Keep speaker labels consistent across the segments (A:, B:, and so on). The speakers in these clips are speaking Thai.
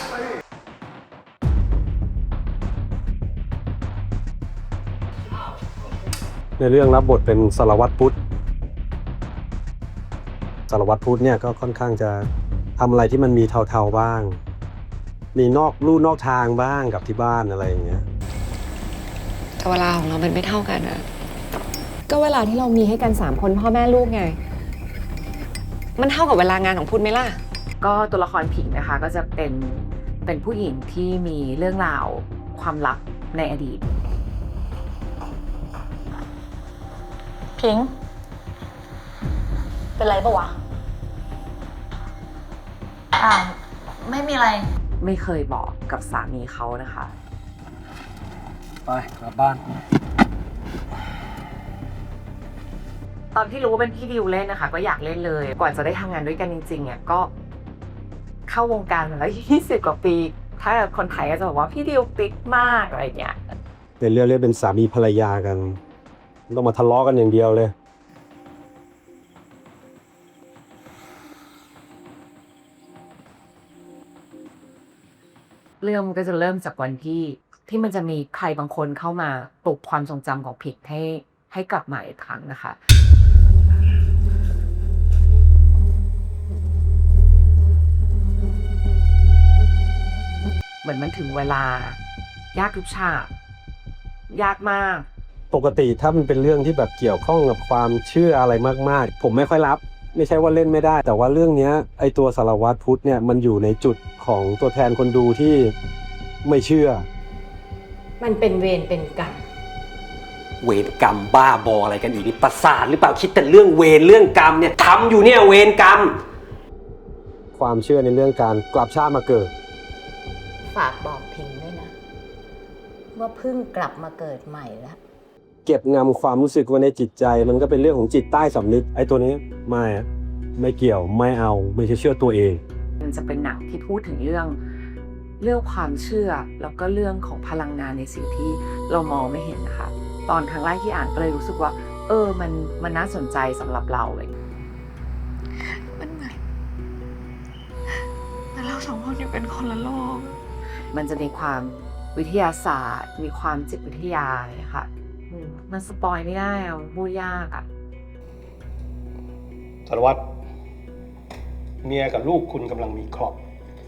A: ในเรื่องรับบทเป็นสารวัตรพุทธสารวัตรพุทธเนี่ยก็ค่อนข้างจะทำอะไรที่มันมีเทาๆบ้าง มีนอกลู่นอกทางบ้างกับที่บ้านอะไรอย่างเงี้ย
B: แต่เวลาของเรามันไม่เท่ากันอะ
C: ก็เวลาที่เรามีให้กัน3 คนพ่อแม่ลูกไง
B: มันเท่ากับเวลางานของพุทธไหมล่ะ
D: ก็ตัวละครผิงนะคะก็จะเป็นผู้หญิงที่มีเรื่องราวความลับในอดีต
E: พิงเป็นไรปะวะไม่มีอะไร
D: ไม่เคยบอกกับสามีเขานะคะ
A: ไปกลับบ้าน
D: ตอนที่รู้ว่าเป็นพี่ดิวเล่นนะคะก็อยากเล่นเลยก่อนจะได้ทำงานด้วยกันจริงๆเนี่ยก็เข้าวงการมาแล้ว20 กว่าปีถ้าคนไทยก็จะบอกว่าพี่ดิวปิ๊กมากอะไรเงี้ย
A: ในเรื่องเรียกเป็นสามีภรรยากันต้องมาทะเลาะกันอย่างเดียวเลย
D: เรื่องมันก็จะเริ่มจากวันที่มันจะมีใครบางคนเข้ามาปลุกความทรงจำของผิดให้กลับมาอีกครั้งนะคะเหมือนมันถึงเวลายากทุกฉากยากมาก
A: ปกติถ้ามันเป็นเรื่องที่แบบเกี่ยวข้องกับความเชื่ออะไรมากๆผมไม่ค่อยรับไม่ใช่ว่าเล่นไม่ได้แต่ว่าเรื่องนี้ไอตัวสารวัตรพุทธเนี่ยมันอยู่ในจุดของตัวแทนคนดูที่ไม่เชื่อ
C: มันเป็นเวรเป็นกรรม
F: เวรกรรมบ้าบออะไรกันอีกนี่ประสาทหรือเปล่าคิดแต่เรื่องเวรเรื่องกรรมเนี่ยทำอยู่เนี่ยเวรกรรม
A: ความเชื่อในเรื่องการกลับชาติมาเกิด
E: ฝากบอกพิงด้วยนะว่าเพิ่งกลับมาเกิดใหม่แล้ว
A: เก็บงำความรู้สึกไว้ในจิตใจมันก็เป็นเรื่องของจิตใต้สำนึกไอ้ตัวนี้ไม่เกี่ยวไม่เอาไม่เชื่อตัวเอง
D: มันจะเป็นหนังที่พูดถึงเรื่องความเชื่อแล้วก็เรื่องของพลังงานในสิ่งที่เรามองไม่เห็นนะคะตอนครั้งแรกที่อ่านก็เลยรู้สึกว่ามันน่าสนใจสำหรับเราเลย
B: มันเหมือนเรา2 คนอยู่เป็นคนละโลก
D: มันจะมีความวิทยาศาสตร์มีความจิตวิทยาค่ะมันสปอยไม่ได้พูดยาก
A: สารวัตรเมียกับลูกคุณกำลังมีเคราะห์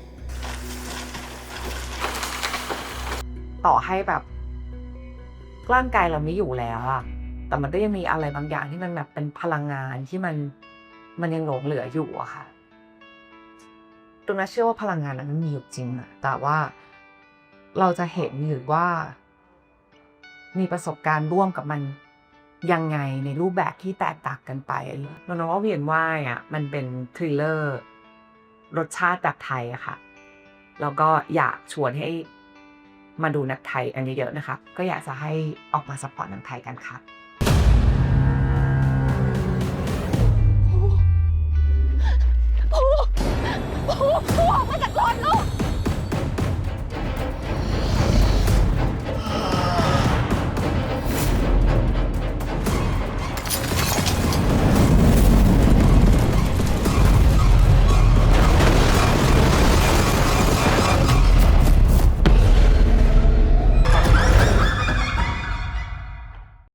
D: ต่อให้แบบร่างกายเราไม่อยู่แล้วแต่มันก็ยังมีอะไรบางอย่างที่มันแบบเป็นพลังงานที่มันยังหลงเหลืออยู่อะค่ะตรงนั้นเชื่อว่าพลังงานนั้นมันมีอยู่จริงแต่ว่าเราจะเห็นหรือว่ามีประสบการณ์ร่วมกับมันยังไงในรูปแบบที่แตกต่างกันไปเราคิดว่าเวียนว่ายมันเป็นทริลเลอร์รสชาติแบบไทยอะค่ะแล้วก็อยากชวนให้มาดูหนังไทยอันเยอะๆนะคะก็อยากจะให้ออกมาซัพพอร์ตหนังไทยกันค่ะ